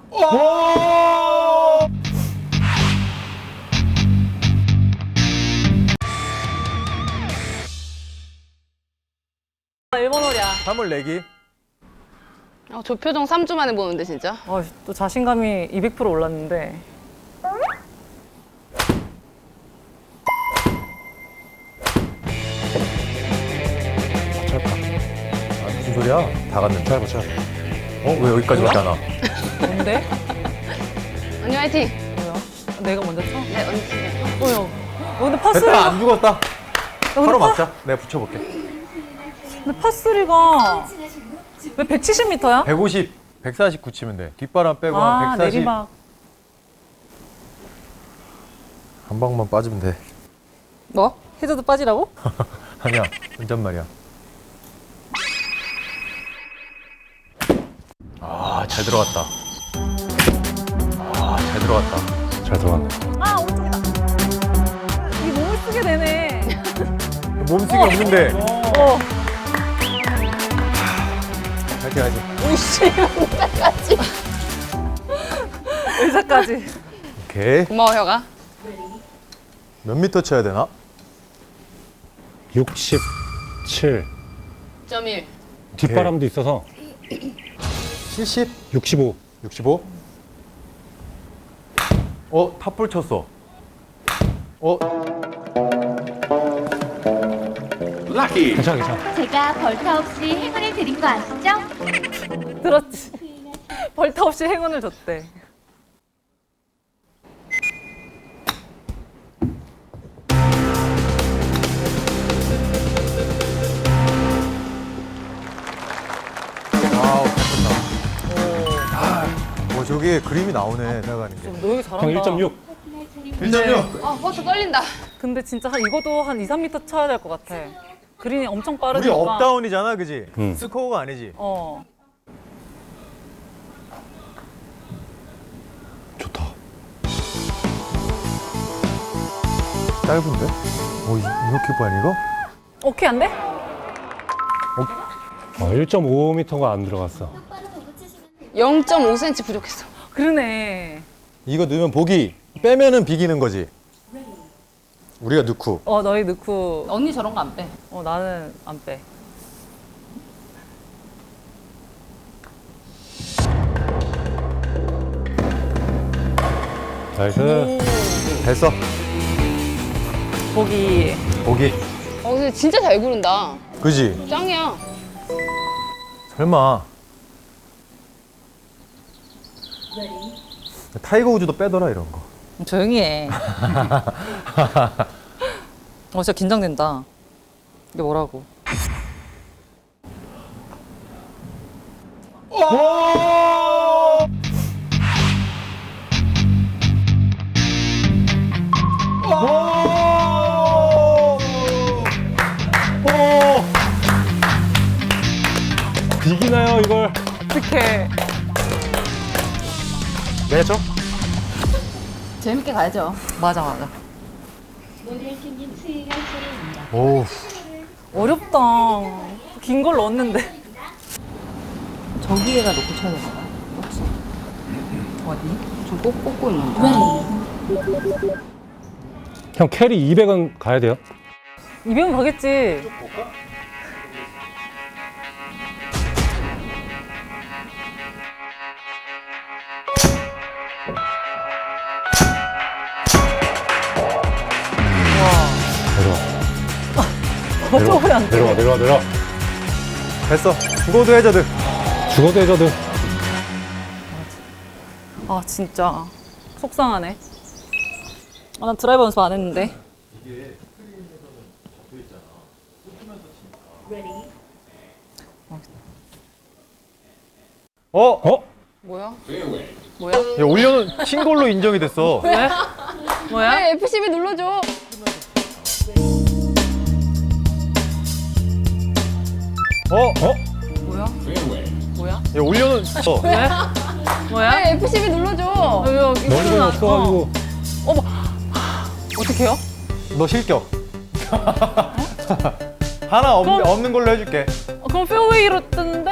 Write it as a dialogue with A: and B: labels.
A: 일본 홀이야.
B: 3월 내기.
C: 저 표정 3주 만에 보는데 진짜.
A: 또 자신감이 200% 올랐는데.
B: 짧다. 무슨 소리야? 다 갔는데. 짧아, 짧아. 왜 여기까지 왔잖아.
A: 뭔데?
C: 언니 화이팅!
A: 뭐야? 내가 먼저 쳐?
C: 네, 언니 진짜.
A: 뭐야? 근데 파스리.
B: 됐다, 안 죽었다.
A: 근데
B: 바로 맞자. 내가 붙여볼게.
A: 근데 파스리가 왜 170m야?
B: 150, 149 치면 돼. 뒷바람 빼고 한 140.
A: 내리막.
B: 한 방만 빠지면 돼.
A: 뭐? 해저드 빠지라고?
B: 아니야, 혼잣말이야. 잘 들어갔다. 잘 들어갔다. 잘 들어갔네.
A: 오른쪽이다. 이 몸을 쓰게 되네.
B: 몸쓰기 없는데.
A: 어.
B: 화이팅, 화이팅.
C: 오이씨, 혼자까지.
A: 의사까지.
B: 오케이.
C: 고마워, 혀가.
B: 몇 미터 쳐야 되나?
D: 67.
C: 1.1.
D: 뒷바람도 있어서
B: 70?
D: 65.
B: 65? 탑볼 쳤어.
D: 괜찮아, 괜찮아.
E: 제가 벌타 없이 행운을 드린 거 아시죠?
A: 들었지. 벌타 없이 행운을 줬대.
B: 저기 그림이 나오네, 나가는 게.
A: 너 여기 잘한다.
D: 형 1.6.
B: 1.6.
C: 버스 떨린다.
A: 근데 진짜 이것도 한 2, 3m 쳐야 될 것 같아. 그린이 엄청
B: 우리
A: 빠르니까.
B: 업다운이잖아, 그지?
D: 응.
B: 스코어가 아니지?
D: 좋다.
B: 짧은데? 이렇게 빨리 이거?
A: 오케이, 안 돼?
D: 1.5m가 안 들어갔어.
C: 0.5cm 부족했어.
A: 그러네.
B: 이거 넣으면 보기, 빼면은 비기는 거지. 우리가 넣고.
A: 너희 넣고.
C: 언니 저런 거 안 빼.
A: 나는 안 빼.
D: 나이스.
B: 됐어.
A: 보기.
B: 보기.
C: 근데 진짜 잘 구른다.
B: 그지?
C: 짱이야.
B: 설마. 타이거 우즈도 빼더라, 이런 거.
A: 조용히 해. 진짜 긴장된다. 이게 뭐라고?
D: 비기나요, 이걸?
A: 어떡해.
B: 내가 쳐?
C: 재밌게 가야죠.
A: 맞아.
B: 오.
A: 어렵다. 긴 걸 넣었는데.
C: 저기에다 놓고 쳐야 되나 봐. 혹시? 어디? 좀 꼭 꽂고 있는데.
D: 형 캐리 200은 가야 돼요?
A: 200은 가겠지. 어쩌면 안 돼.
D: 내려와.
B: 됐어. 죽어도 해저드.
D: 죽어도 해저드.
A: 진짜. 속상하네. 난 드라이버 연습 안 했는데.
C: 뭐야?
B: 야, 올려놓은 친 걸로 인정이 됐어.
A: 왜? 뭐야?
C: 왜 F12 눌러줘. 뭐야? 뭐야?
B: 야, 올려놓은.
A: 왜? 뭐야?
C: 왜 F12 눌러줘.
D: 머리가 없어가지고.
A: 어떡해요?
B: 너 실격. 하나 없는 걸로 해줄게.
A: 그럼 페어웨이로 뜨는데?